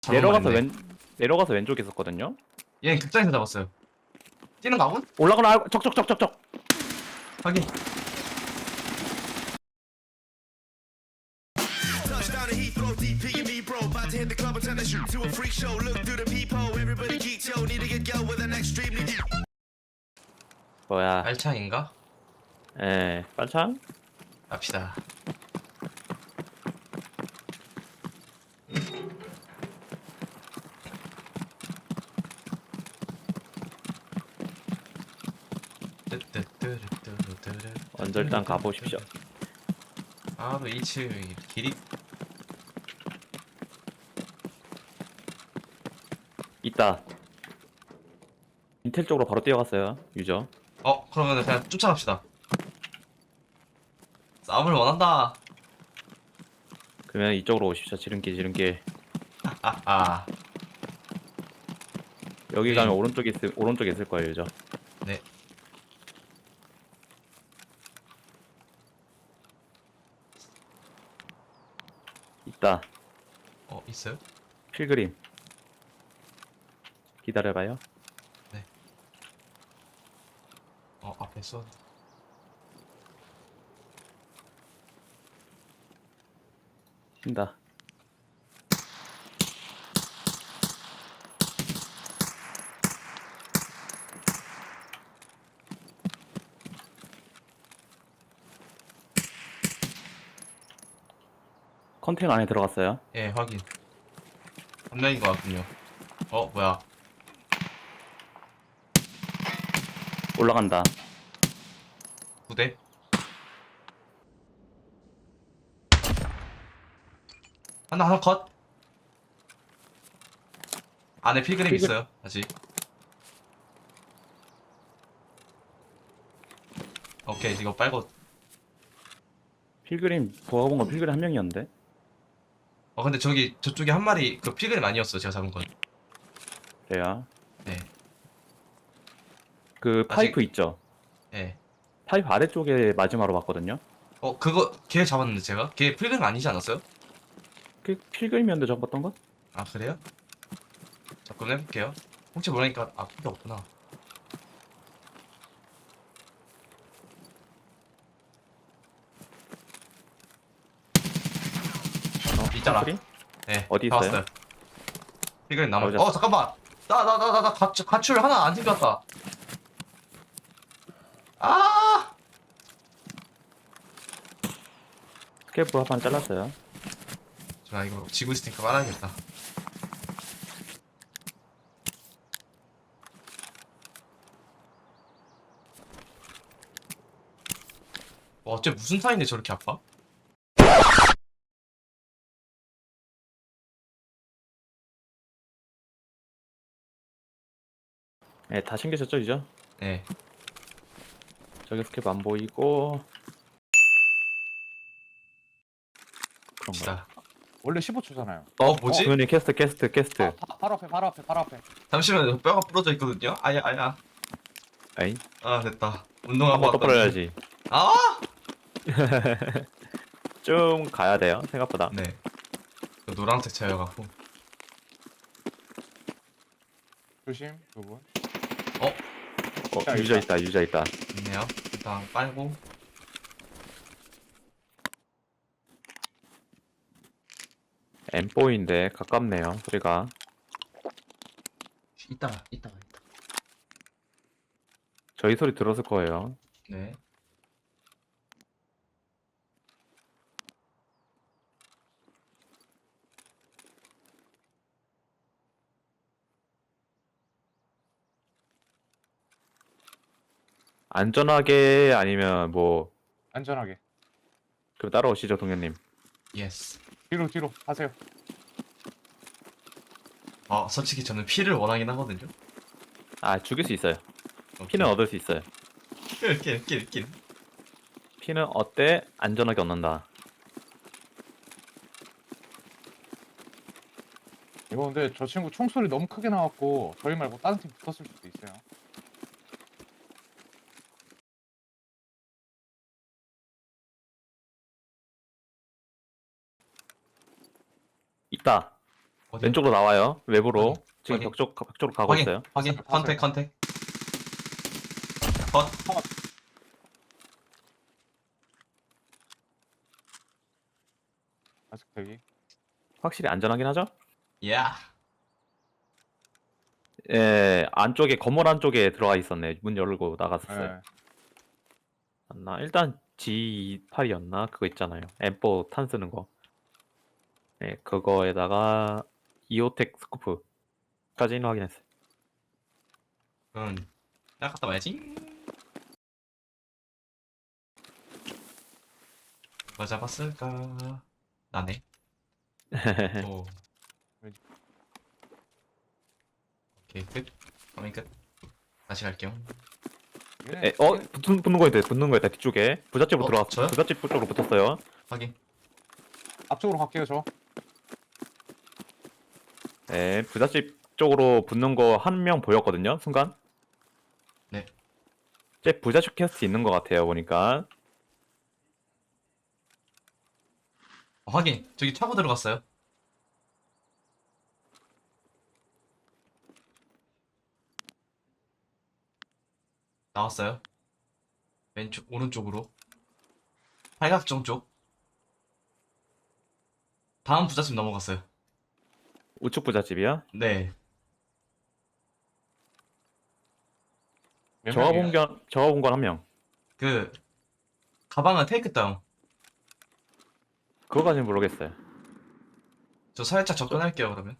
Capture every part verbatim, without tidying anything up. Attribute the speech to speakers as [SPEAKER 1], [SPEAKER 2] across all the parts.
[SPEAKER 1] 잘못
[SPEAKER 2] 내려가서
[SPEAKER 1] 말했네.
[SPEAKER 2] 왼 내려가서 왼쪽에 있었거든요.
[SPEAKER 1] 얘 극장에서 잡았어요. 뛰는 거 아군?
[SPEAKER 2] 올라가나 알고 적적적적적.
[SPEAKER 1] 확인.
[SPEAKER 3] Touchdown at Heathrow, D P and me, bro. About to hit the club and turn the shoot to a freak show. Look through the peephole, everybody geek, yo. Need to get go with an extremely deep.
[SPEAKER 2] 뭐야?
[SPEAKER 1] 알창인가?
[SPEAKER 2] 예, 빨창?
[SPEAKER 1] 갑시다.
[SPEAKER 2] 먼저 일단 가보십시오.
[SPEAKER 1] 바로 이 층 길이
[SPEAKER 2] 있다. 인텔 쪽으로 바로 뛰어갔어요. 유저.
[SPEAKER 1] 어 그러면 그냥 쫓아갑시다. 싸움을 원한다.
[SPEAKER 2] 그러면 이쪽으로 오십시오. 지름길 지름길.
[SPEAKER 1] 아아
[SPEAKER 2] 여기
[SPEAKER 1] 네.
[SPEAKER 2] 가면 오른쪽에 있을 오른쪽에 있을 거예요, 유저.
[SPEAKER 1] 네.
[SPEAKER 2] 있다.
[SPEAKER 1] 어 있어요?
[SPEAKER 2] 필그림. 기다려봐요.
[SPEAKER 1] 어 앞에 써.
[SPEAKER 2] 쉰다. 컨테이너 안에 들어갔어요.
[SPEAKER 1] 예 확인. 한 명인 것 같군요. 어 뭐야?
[SPEAKER 2] 올라간다.
[SPEAKER 1] 부대? 하나 하나 컷. 안에 필그림
[SPEAKER 2] 필그-
[SPEAKER 1] 있어요 아직. 오케이 이거 빨고.
[SPEAKER 2] 필그림 보아 본건 필그림 한 명이었는데.
[SPEAKER 1] 어 근데 저기 저쪽에 한 마리 그 필그림 아니었어 제가 잡은 건.
[SPEAKER 2] 그래요.
[SPEAKER 1] 네.
[SPEAKER 2] 그
[SPEAKER 1] 아직-
[SPEAKER 2] 파이프 있죠.
[SPEAKER 1] 예.
[SPEAKER 2] 파이프 아래쪽에 마지막으로 봤거든요.
[SPEAKER 1] 어 그거 걔 잡았는데 제가? 걔 필그림 아니지 않았어요?
[SPEAKER 2] 그 필그림이었는데 적었던 건?
[SPEAKER 1] 아 그래요? 접근해볼게요. 혹시 모르니까 아 필요 없구나.
[SPEAKER 2] 어,
[SPEAKER 1] 있잖아.
[SPEAKER 2] 필그림?
[SPEAKER 1] 네.
[SPEAKER 2] 어디
[SPEAKER 1] 다
[SPEAKER 2] 있어요?
[SPEAKER 1] 왔어요. 필그림 남아.
[SPEAKER 2] 어디 갔어?
[SPEAKER 1] 어 잠깐만. 나 나 나 나 가출 가출 하나 안 챙겼다. 아!
[SPEAKER 2] 스케프 합판 잘랐어요.
[SPEAKER 1] 자 이거 지구 있으니까 말아야겠다. 어, 어째 무슨 사이인데 저렇게 아파?
[SPEAKER 2] 네, 다 챙기셨죠, 이죠?
[SPEAKER 1] 네.
[SPEAKER 2] 저기 스케프 안 보이고. 그런가?
[SPEAKER 1] 갑시다.
[SPEAKER 4] 원래 십오 초잖아요.
[SPEAKER 1] 어 뭐지?
[SPEAKER 2] 도현이 캐스트, 캐스트, 캐스트.
[SPEAKER 4] 바, 바, 바로 앞에, 바로 앞에, 바로 앞에.
[SPEAKER 1] 잠시만요. 뼈가 부러져 있거든요. 아야 아야.
[SPEAKER 2] 에이,
[SPEAKER 1] 아 됐다. 운동하고
[SPEAKER 2] 한번 더
[SPEAKER 1] 왔다.
[SPEAKER 2] 뿌려야지.
[SPEAKER 1] 아!
[SPEAKER 2] 좀 가야 돼요, 생각보다.
[SPEAKER 1] 네. 그 노란색 차여갖고.
[SPEAKER 4] 조심, 두 분.
[SPEAKER 2] 어,
[SPEAKER 4] 자,
[SPEAKER 2] 유저
[SPEAKER 4] 있다.
[SPEAKER 2] 있다, 유저 있다.
[SPEAKER 1] 있네요. 일단 빨고.
[SPEAKER 2] 엠포인데 가깝네요, 소리가.
[SPEAKER 1] 이따가 이따가 이따.
[SPEAKER 2] 저희 소리 들었을 거예요.
[SPEAKER 1] 네.
[SPEAKER 2] 안전하게 아니면 뭐
[SPEAKER 4] 안전하게.
[SPEAKER 2] 그럼 따라오시죠, 동현님.
[SPEAKER 1] 예스.
[SPEAKER 4] 뒤로, 뒤로 하세요.
[SPEAKER 1] 아 솔직히 저는 피를 원하긴 하거든요.
[SPEAKER 2] 아, 죽일 수 있어요.
[SPEAKER 1] 오케이.
[SPEAKER 2] 피는 얻을 수 있어요.
[SPEAKER 1] 낄, 낄, 낄.
[SPEAKER 2] 피는 어때? 안전하게 얻는다.
[SPEAKER 4] 이거 근데 저 친구 총소리 너무 크게 나왔고 저희 말고 다른 팀 붙었을 수도 있어요.
[SPEAKER 2] 있다.
[SPEAKER 1] 어디?
[SPEAKER 2] 왼쪽으로 나와요. 외부로.
[SPEAKER 1] 확인,
[SPEAKER 2] 지금
[SPEAKER 1] 확인.
[SPEAKER 2] 벽쪽 벽 쪽으로 가고
[SPEAKER 1] 확인,
[SPEAKER 2] 있어요.
[SPEAKER 1] 확인.
[SPEAKER 4] 봤어요,
[SPEAKER 1] 컨택,
[SPEAKER 4] 봤어요.
[SPEAKER 1] 컨택. 컷.
[SPEAKER 4] 아직 대기.
[SPEAKER 2] 확실히 안전하긴 하죠?
[SPEAKER 1] 야.
[SPEAKER 2] 예, 안쪽에 건물 안쪽에 들어가 있었네. 문 열고 나갔었어요.
[SPEAKER 4] 네.
[SPEAKER 2] 맞나? 일단 지 이십팔이었나? 그거 있잖아요. 엠 사 탄 쓰는 거. 네, 그거에다가 이오텍 스코프까지는 확인했어요.
[SPEAKER 1] 응. 딱 갔다 와야지. 누가 잡았을까? 나네. 오. 오케이, 끝. 화면 끝. 다시 갈게요.
[SPEAKER 4] 얘네
[SPEAKER 2] 에, 어? 붙는, 붙는 거 있다. 붙는 거 있다. 뒤쪽에. 부잣집으로
[SPEAKER 1] 어,
[SPEAKER 2] 들어왔어.
[SPEAKER 1] 저요?
[SPEAKER 2] 부잣집 쪽으로 붙었어요.
[SPEAKER 1] 확인.
[SPEAKER 4] 앞쪽으로 갈게요 저.
[SPEAKER 2] 네, 부잣집 쪽으로 붙는 거 한 명 보였거든요. 순간.
[SPEAKER 1] 네.
[SPEAKER 2] 제 부잣집 캐스트 있는 것 같아요. 보니까.
[SPEAKER 1] 어, 확인. 저기 차고 들어갔어요. 나왔어요. 왼쪽, 오른쪽으로. 팔각정 쪽. 다음 부잣집 넘어갔어요.
[SPEAKER 2] 우측 부잣집이야.
[SPEAKER 1] 네.
[SPEAKER 4] 몇
[SPEAKER 2] 저가
[SPEAKER 4] 명이에요?
[SPEAKER 2] 본 건, 저가 본 건 한 명.
[SPEAKER 1] 그, 가방은 테이크 다운.
[SPEAKER 2] 그거까지는 모르겠어요.
[SPEAKER 1] 저 살짝 접근할게요, 그러면.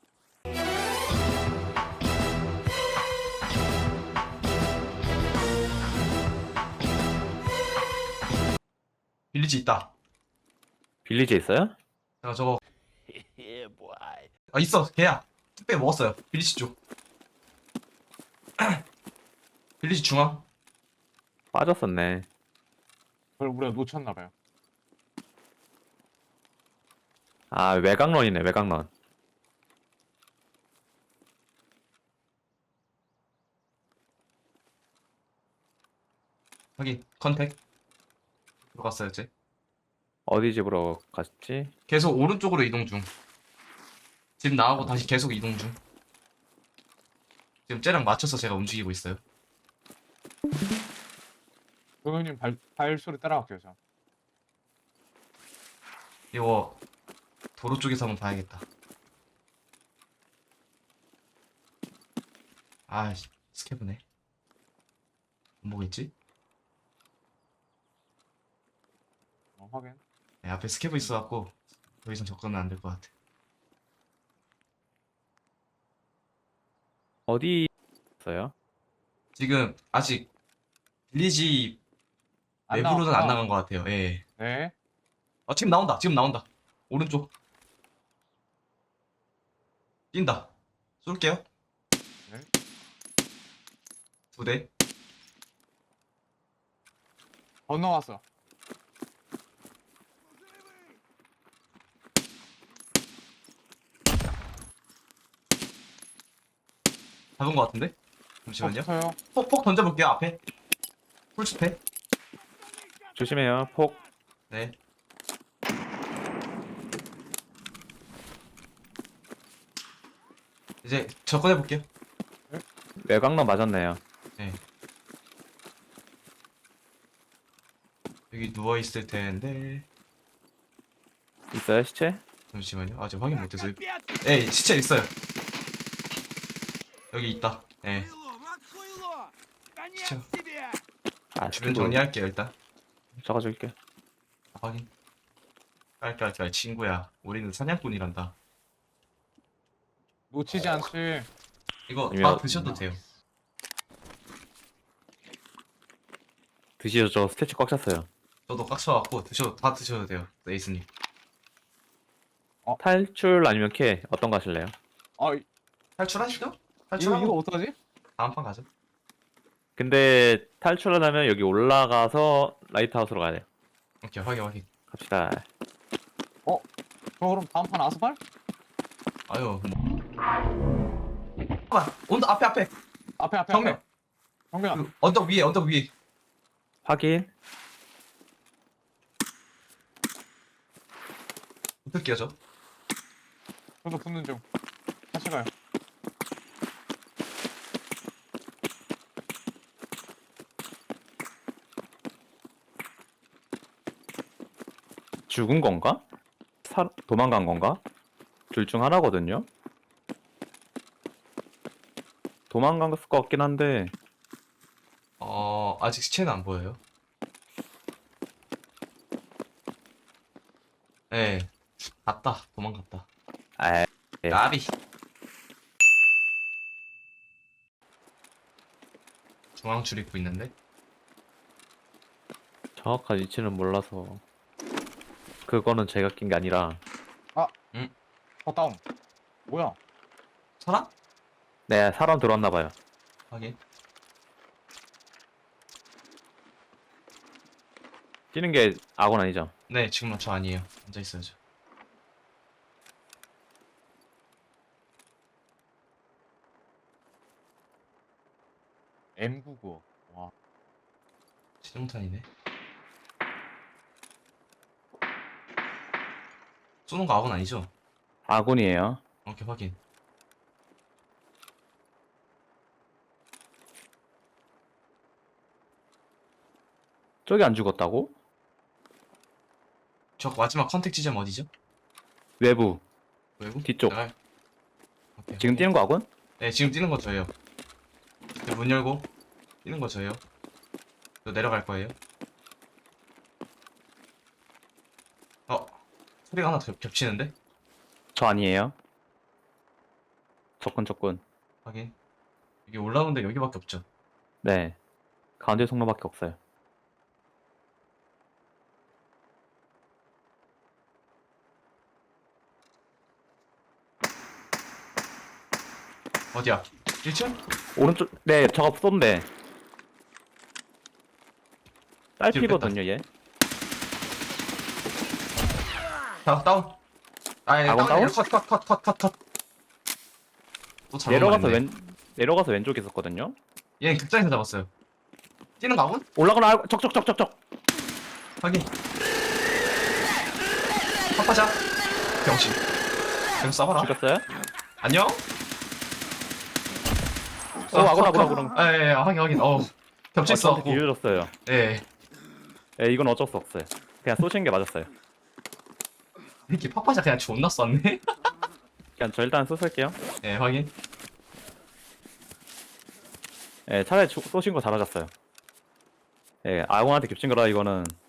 [SPEAKER 1] 빌리지 있다.
[SPEAKER 2] 빌리지에 있어요?
[SPEAKER 1] 제가 저거. 아, 있어. 걔야. 택배 먹었어요. 빌리지 쪽. 빌리지 중앙.
[SPEAKER 2] 빠졌었네.
[SPEAKER 4] 그걸 우리가 놓쳤나봐요.
[SPEAKER 2] 아, 외곽런이네, 외곽런.
[SPEAKER 1] 확인. 컨택. 들어갔어요, 이제.
[SPEAKER 2] 어디 집으로 갔지?
[SPEAKER 1] 계속 오른쪽으로 이동 중. 집 나가고 다시 계속 이동 중. 지금 쟤랑 맞춰서 제가 움직이고 있어요.
[SPEAKER 4] 동현님 발 발소리 따라갈게요 저.
[SPEAKER 1] 이거 도로 쪽에서 한번 봐야겠다. 아, 씨, 스캐브네. 뭐겠지?
[SPEAKER 4] 어, 확인.
[SPEAKER 1] 네, 앞에 스캐브 있어갖고 더 이상 접근은 안 될 것 같아.
[SPEAKER 2] 어디 있어요?
[SPEAKER 1] 지금 아직 빌리지
[SPEAKER 4] 안
[SPEAKER 1] 외부로는 안
[SPEAKER 4] 나왔구나.
[SPEAKER 1] 나간 것 같아요. 예.
[SPEAKER 4] 네.
[SPEAKER 1] 아, 지금 나온다. 지금 나온다. 오른쪽. 뛴다. 쏠게요.
[SPEAKER 4] 네.
[SPEAKER 1] 두 대.
[SPEAKER 4] 건너왔어.
[SPEAKER 1] 잡은 것 같은데? 잠시만요.
[SPEAKER 4] 없어요.
[SPEAKER 1] 폭폭 던져볼게요. 앞에. 풀스페.
[SPEAKER 2] 조심해요. 폭.
[SPEAKER 1] 네. 이제 접근해볼게요.
[SPEAKER 2] 외곽런 맞았네요.
[SPEAKER 1] 네. 여기 누워있을 텐데.
[SPEAKER 2] 있어요, 시체?
[SPEAKER 1] 잠시만요. 아직 확인 못해서. 예, 시체 있어요. 여기 있다. 예. 시체.
[SPEAKER 2] 아,
[SPEAKER 1] 주변
[SPEAKER 2] 스킨
[SPEAKER 1] 정리할게요, 일단.
[SPEAKER 2] 적어줄게.
[SPEAKER 1] 확인. 깔깔깔, 친구야. 우리는 사냥꾼이란다.
[SPEAKER 4] 놓치지 않지.
[SPEAKER 1] 이거 다
[SPEAKER 2] 아니면-
[SPEAKER 1] 드셔도 돼요.
[SPEAKER 2] 드시죠, 저 스태치 꽉 찼어요.
[SPEAKER 1] 저도 깍쳐갖고 드셔도, 다 드셔도 돼요. 에이스님.
[SPEAKER 2] 탈출 아니면 캐? 어떤 거 하실래요?
[SPEAKER 4] 아 이-
[SPEAKER 1] 탈출하시죠?
[SPEAKER 4] 이거
[SPEAKER 1] 탈출하고
[SPEAKER 4] 이거 어떡하지?
[SPEAKER 1] 다음 판 가죠.
[SPEAKER 2] 근데 탈출하려면 여기 올라가서 라이트하우스로 가야 돼요.
[SPEAKER 1] 오케이, 확인, 확인.
[SPEAKER 2] 갑시다.
[SPEAKER 4] 저 그럼 다음 판 아스팔?
[SPEAKER 1] 아유, 뭐. 잠깐만, 온다, 앞에, 앞에.
[SPEAKER 4] 앞에 앞에
[SPEAKER 1] 정면.
[SPEAKER 4] 앞에. 정면.
[SPEAKER 1] 그 언덕 위에, 언덕 위에.
[SPEAKER 2] 확인.
[SPEAKER 1] 붙을게요, 저.
[SPEAKER 4] 저도 붙는 중.
[SPEAKER 2] 죽은 건가? 사, 도망간 건가? 둘 중 하나거든요. 도망간 것 같긴 한데
[SPEAKER 1] 어 아직 시체는 안 보여요. 예. 갔다. 도망갔다.
[SPEAKER 2] 아, 예.
[SPEAKER 1] 나비. 중앙 출입구 있는데.
[SPEAKER 2] 정확한 위치는 몰라서 그거는 제가 낀 게 아니라
[SPEAKER 4] 어 다운. 뭐야?
[SPEAKER 1] 사람?
[SPEAKER 2] 네 사람 들어왔나 봐요.
[SPEAKER 1] 확인.
[SPEAKER 2] 뛰는 게 악원 아니죠?
[SPEAKER 1] 네, 지금 저 아니에요. 앉아 있어야죠.
[SPEAKER 4] 엠 구십구. 와.
[SPEAKER 1] 신용탄이네. 쏘는 거 아군 아니죠?
[SPEAKER 2] 아군이에요.
[SPEAKER 1] 오케이, 확인.
[SPEAKER 2] 저기 안 죽었다고?
[SPEAKER 1] 저 마지막 컨택 지점 어디죠?
[SPEAKER 2] 외부
[SPEAKER 1] 외부?
[SPEAKER 2] 뒤쪽.
[SPEAKER 1] 나가요. 오케이,
[SPEAKER 2] 지금
[SPEAKER 1] 확인.
[SPEAKER 2] 뛰는 거 아군?
[SPEAKER 1] 네, 지금 뛰는 거 저예요. 네, 문 열고 뛰는 거 저예요. 저 내려갈 거예요. 어, 소리가 하나 겹, 겹치는데?
[SPEAKER 2] 저 아니에요. 적군 적군.
[SPEAKER 1] 확인. 여기 올라오는데 여기밖에 없죠.
[SPEAKER 2] 네 가운데 통로밖에 없어요.
[SPEAKER 1] 어디야? 일 층?
[SPEAKER 2] 오른쪽 네 저거 쏜데 딸피거든요 얘.
[SPEAKER 1] 다, 다운. 아, 예,
[SPEAKER 2] 아군 다운?
[SPEAKER 1] 컷, 컷, 컷, 컷, 컷, 컷. 또 잘못
[SPEAKER 2] 내려가서
[SPEAKER 1] 말했네.
[SPEAKER 2] 왼 내려가서 왼쪽에 있었거든요.
[SPEAKER 1] 얘는 극장에서 잡았어요. 뛰는 거 아군?
[SPEAKER 2] 올라가나 알- 적적적적적.
[SPEAKER 1] 확인. 팝하자. 병신. 병 쏴봐라.
[SPEAKER 2] 죽였어요?
[SPEAKER 1] 안녕?
[SPEAKER 2] 어 아군 아군 아군.
[SPEAKER 1] 아, 예, 예, 확인, 확인. 어, 겹쳤어.
[SPEAKER 2] 저한테 뒤져줬어요.
[SPEAKER 1] 예.
[SPEAKER 2] 예 이건 어쩔 수 없어요. 그냥 쏘시는 게 맞았어요.
[SPEAKER 1] 이렇게 팝하자 그냥 존나 쐈네?
[SPEAKER 2] 그냥 저 일단 쏘실게요.
[SPEAKER 1] 예, 확인.
[SPEAKER 2] 예 차라리 쏘- 쏘신 거 잘하셨어요. 예 아군한테 겹친 거라 이거는